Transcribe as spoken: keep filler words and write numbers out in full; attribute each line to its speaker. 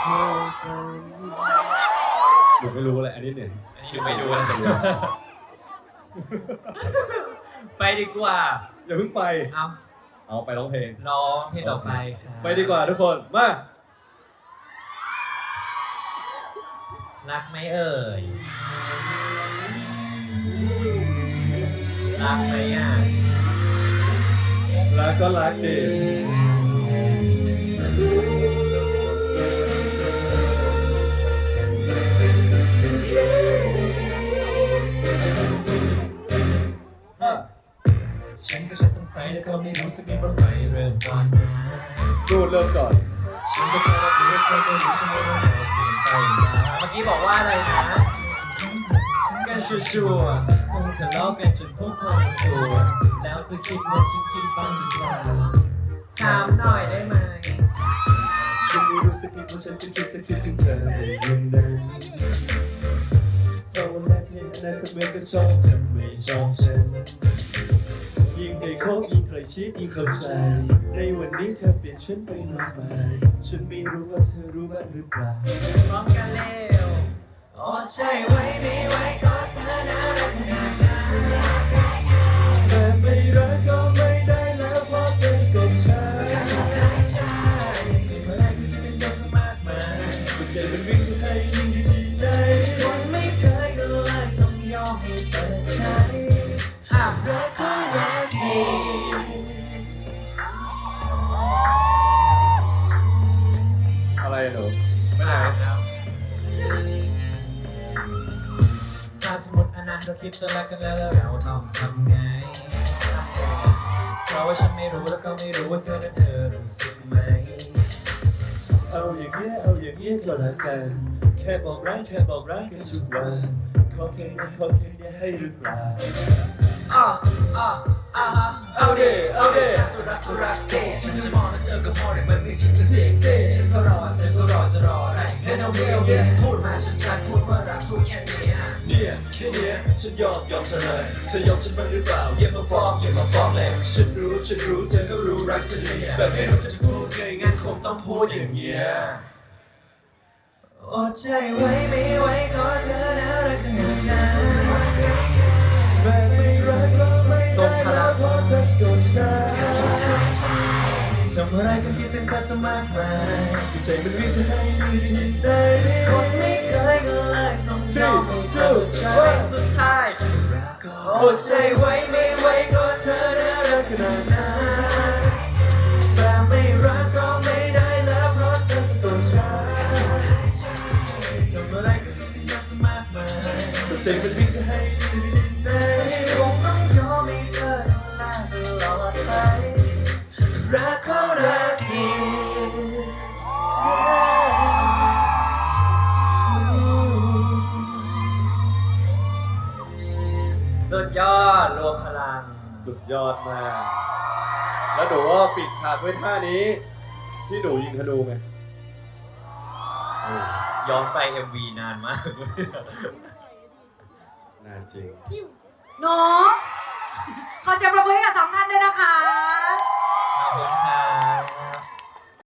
Speaker 1: หนูไม่รู้เลยอันนี้เนี่ย
Speaker 2: อันนี้ไม่รู้นะไปดีกว่า
Speaker 1: อย่าเพิ่งไป
Speaker 2: เอา
Speaker 1: เอาไปร้องเพลง
Speaker 2: ร้องเพลงต่อไปค่ะ
Speaker 1: ไปดีกว่าทุกคนมา
Speaker 2: รักไหมเอ่ยรักไหมอ่ะ
Speaker 1: รักก็รักดี
Speaker 2: ฉันก็แค่สงสัยแต่ก็ไม่รู้สักนิดว่าใครเริ่มก่อนนะ
Speaker 1: ดูเริ่มก่อน
Speaker 2: ฉันก็แค่รับรู้ว่าเธอก็รู้ฉันว่าเราเปลี่ยนไปนะเมื่อกี้บอกว่าอะไรนะกันชัวร์ๆคงทะเลาะกันจนพบความตัวแล้วเธอคิดว่าฉันคิดบ้างหรือเปล่าถามหน่อยได้ไหม
Speaker 1: ฉันไม่รู้สึกผิดเพราะฉันจะคิดจะคิดถึงเธออย่างนั้นเพราะวันแรกที่เห็นอันนั้นเธอเหมือนกับชอบเธอไม่ชอบฉันยิ่งได้คบยิ่งใกล้ชิดยิ่งเข้าใจในวันนี้เธอเปลี่ยนฉันไปมากมายฉันไม่รู้ว่าเธอรู้บ้างหรือเปล่า
Speaker 2: พร้อมกันเร็วอดใจไว้ไม่ไหวก็เธอน่ารักขนาดนั้น
Speaker 1: แต่ไม่รักก็ไม่ได้แล้วเพราะเธอกับฉัน
Speaker 2: เมื่อไรก็คิดถึงเธอสมากมาย
Speaker 1: หัวใจมันวิ่งจะให้ยิ่งที่ไหน
Speaker 2: คนไม่เคยก็เลยต้องยอมให้เปิดใจหากรักก็รักดี
Speaker 1: อะไรหนู
Speaker 2: ไม่ไหนแล้วถ้าสมมติอนาคตเราคิดจะรักกันแล้วแล้วเราต้องทำไงเพราะว่าฉันไม่รู้แล้วก็ไม่รู้ว่าเธอและเธอรู้สึกไหม
Speaker 1: เอาอย่างเงี้ยเอาอย่างเงี้ยก็แล้วกันแค่บอกรักแค่บอกรักกันทุกวันขอแค่นี้ขอแค่นี้ให้หรือเปล่า
Speaker 2: อ่ะอ่ะอ่ะฮะ
Speaker 1: เอาเด้เอาเด้
Speaker 2: จะรักก็รักเด้ฉันจะมองแล้วเธอก็มองแต่มันไม่ชินกันเสียงเซ่ฉันก็รอเธอก็รอจะรออะไรเล่นเอาเดียวเดียวพูดมาชัดๆพูดว่ารักพูดแค่นี้อ่ะ
Speaker 1: เนี่ยแค่เนี้ยฉันยอมยอมเธอเลยเธอยอมฉันบ้างหรือเปล่าอย่ามาฟ้องอย่ามาฟ้องเลยฉันรู้ฉันรู้เธอก็รู้รักฉันเนี่ยแต่ไม่รู้จะพูดไงงั้นคงต้องพูดอย่างเงี้ย
Speaker 2: อดใจไว้ไม่ไหวก็เธอน่ารักขนาดนั้น
Speaker 1: แม้ไม่รักก็ไม่
Speaker 2: ส่งพลัง
Speaker 1: เพราะเธอสกดฉัน
Speaker 2: ทำอะไรก็คิดถึงเธอสมากมาย
Speaker 1: ใจมันวิ่งจะให้อยู่ที่ไหน
Speaker 2: คนไม่เคยก็เลยต้องยอมให้เธอใจสุดท้ายอดใจไว้ไม่ไหวก็เธอน่ารักขนาดนั้นแต่ไม่รักก็ไม่ได้แล้วเพราะเธอสะกดฉันทำอะไรก็คิดถึงเธอสมากมาย
Speaker 1: ใจมันวิ่งจะให้อยู่ที่ไหน
Speaker 2: คงต้องยอมให้เธอดูแลตลอดไปรักเขารักดีสุดยอดรวมพลัง
Speaker 1: สุดยอดมาก แล้วหนูว่าปิดฉากด้วยท่านี้ ที่หนูยิงธนูไหม
Speaker 2: ย้อนไป เอ็ม วี นานมาก
Speaker 1: นานจริง
Speaker 3: หนูขอเสียงปรบมือให้กับสองท่านด้วยนะคะ